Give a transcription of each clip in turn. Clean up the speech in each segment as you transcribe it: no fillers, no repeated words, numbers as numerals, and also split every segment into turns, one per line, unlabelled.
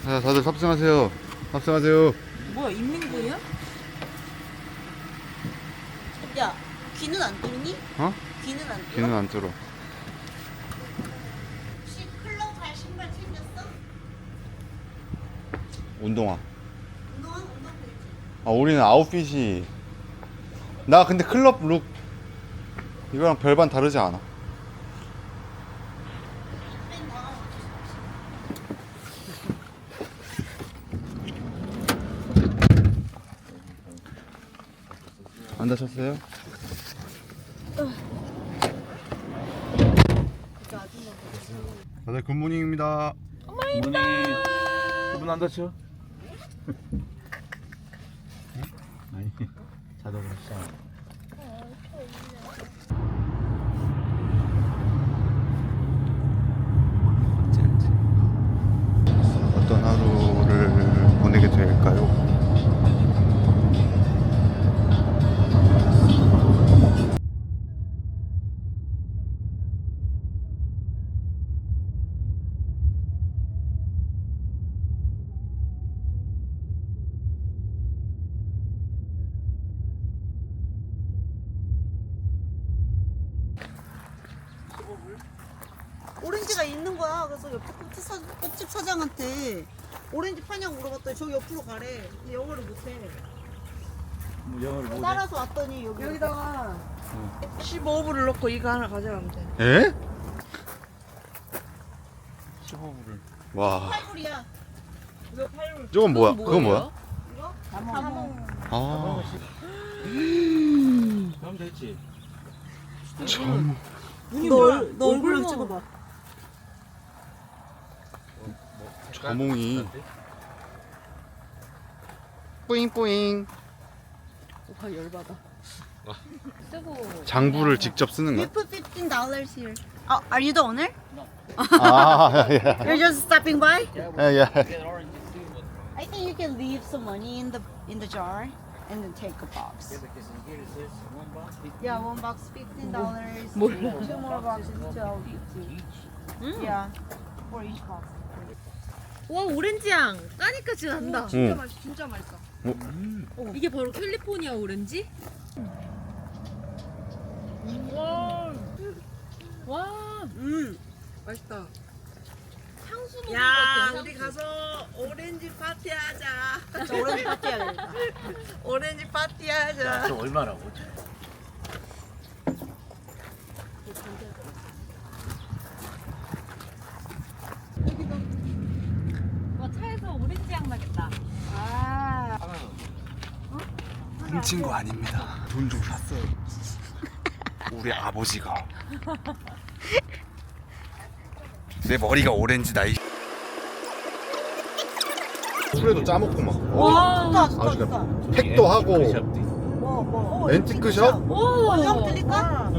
자, 다들 탑승하세요. 탑승하세요.
뭐야, 인민군이야?
야, 귀는 안 뚫니?
어?
귀는 안 뚫어?
귀는 안 뚫어.
혹시 클럽 갈 신발 챙겼어?
운동화.
운동화 되지?
아, 우리는 아웃핏이. 나 근데 클럽 룩 이거랑 별반 다르지 않아. 안 다쳤어요? 다들 굿모닝입니다.
문 안 닫혀? 아니 자동으로 시작.
어떤 하루를 보내게 될까요?
오렌지가 있는 거야. 그래서 옆에 꽃집 사장한테 오렌지 파냐고 물어봤더니 저기 옆으로 가래. 근데 영어를 못해.
영어를 못 해.
따라서 왔더니
여기다가 15불을 넣고 이거 하나 가져가면 돼.
에?
15불을.
와,
8불이야.
왜 8불?
저건 뭐야? 그건 뭐야?
이거?
자몽.
아,
그럼 됐지.
너 얼굴로 찍어봐.
자몽이 뿌잉뿌잉.
오빠 열받아. 쓰고.
장부를 직접 쓰는
We
거야?
put $15 here. Oh, are you the owner?
아, 예.
You're just stopping by?
예, 예.
I think you can leave some money in the jar and then take a box. Yeah, one box $15.
몰라.
Two more boxes $12 each. Yeah, for each box.
와 오렌지 향 까니까지 난다.
응.
맛있어, 진짜 맛있어.
이게 바로 캘리포니아 오렌지? 와, 와,
맛있다.
향수 먹는
야,
것 같아.
우리 가서 오렌지 파티 하자.
저 오렌지 파티 해야 되겠다.
오렌지 파티 하자.
저 얼마라고?
와 차에서 오렌지 향 나겠다.
훔친 거 아닙니다. 돈 주고 샀어요. 우리 아버지가. 내 머리가 오렌지다. 이 술에도 짜먹고 막.
좋다, 좋다,
아주
좋다.
팩도 하고
뭐,
앤티크샵?
오, 형 들릴까?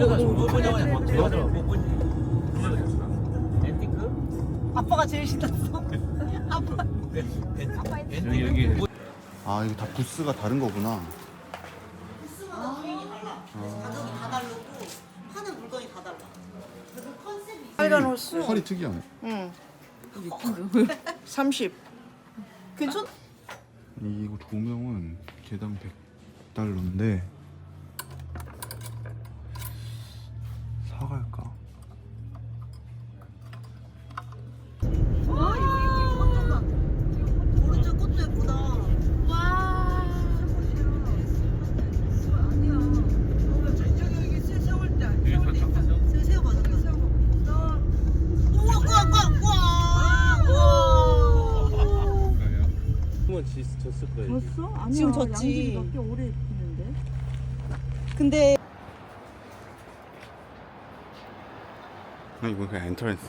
아빠가 제일 신났어. 아빠.
여기
아, 이게 다 부스가 다른 거구나.
부스마다 주인이 달라. 그래서 가격이 다 다르고 파는 물건이 다 달라. 그래서 컨셉이 있어.
빨간 호수.
컬이 특이하네.
응. 30.
괜찮?
이거 조명은 개당 100달러인데 사갈까?
오른쪽 꽃도 예쁘다.
와,
새우 맞았다. 우와, 우와, 우와, 우와.
한번 졌을 거예요.
졌어? 아니야.
지금 졌지.
양들이 몇개 오래 피는데.
근데
아, 이거 그냥 엔트런스.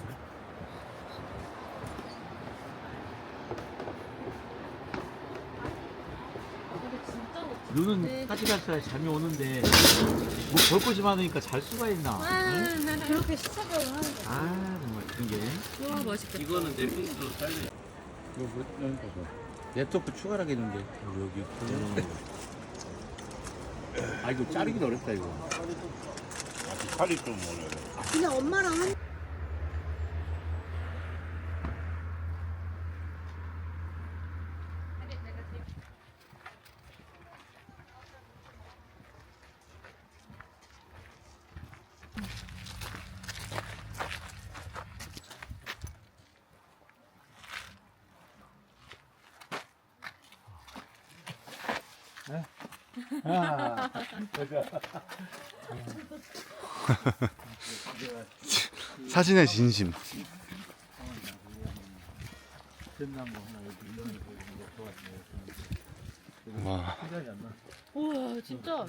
눈은 까지갈까 잠이 오는데 뭐 볼 것이 많으니까 잘 수가 있나? 응?
그렇게 시작을 하는 거.
아 정말 그런 게.
와 맛있겠다.
이거는 넷플릭스로 살려. 이거 뭐 여기 봐봐. 랩톱도 추가하겠는데 여기 있고. 아 이거 자르기도 어렵다 이거.
팔이 좀 어려워.
그냥 엄마랑 한
사진의 진심. 와,
우와 진짜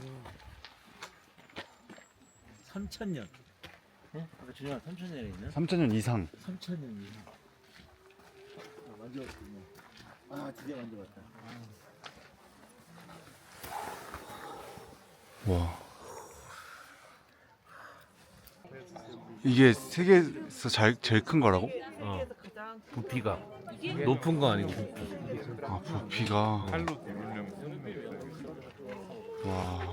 3,000년. 어? 아까 준영아 3,000년에 있나?
3,000년 이상.
3,000년 이상. 아, 만져봤군요. 아, 드디어 만져봤다.
와. 이게 세계에서 제일 큰 거라고?
부피가 높은 거 아니고.
아, 부피가.
팔로 누르려면
와,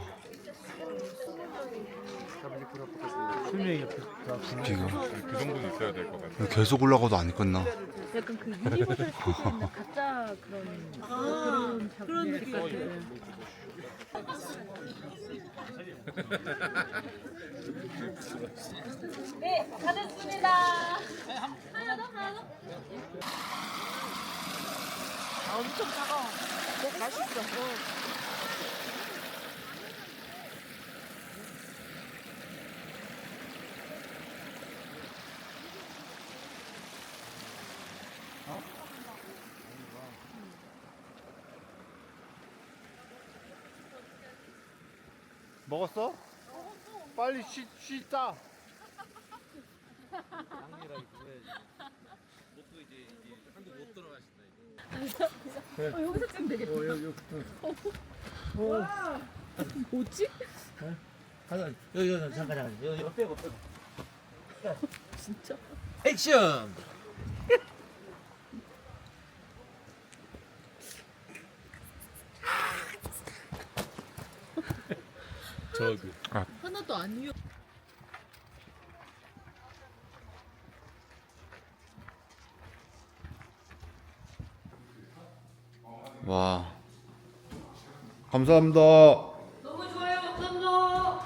수명이
부피가.
그 정도는 있어야 될 것 같아.
계속 올라가도 안 끝나.
약간 그 유니버설 스튜디오 있는 가짜 그런 그런 느낌. 네, 다 됐습니다. 하나 더, 하나 더.
아, 엄청 차가워. 맛있어.
먹었어? 빨리 쉬다.
여기서 찍으면 되겠다. 와, 뭐지?
하나, 여기 잠깐. 여기 빼고.
진짜?
액션! 저기.
하나도 안 위험.
와, 감사합니다.
너무 좋아요, 감사합니다.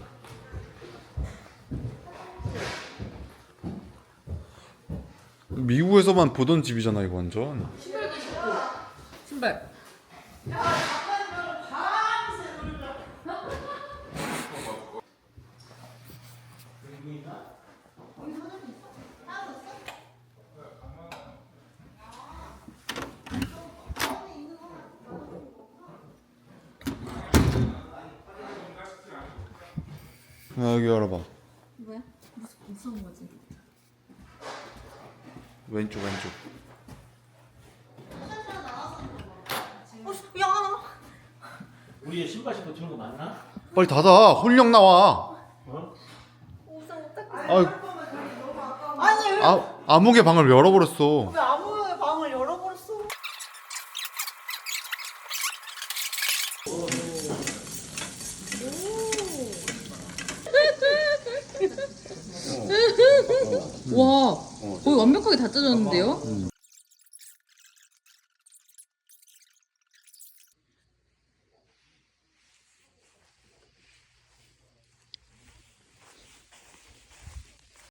미국에서만 보던 집이잖아 이거 완전.
신발.
여기 열어봐.
뭐야? 무서운 거지?
왼쪽 왼쪽.
우리 신발 신고 저런 거 맞나?
빨리 닫아. 혼령 나와.
아니 왜
암흑의 방을 열어버렸어.
아무의 방을 열어버렸어?
와, 거의 완벽하게 다 짜졌는데요?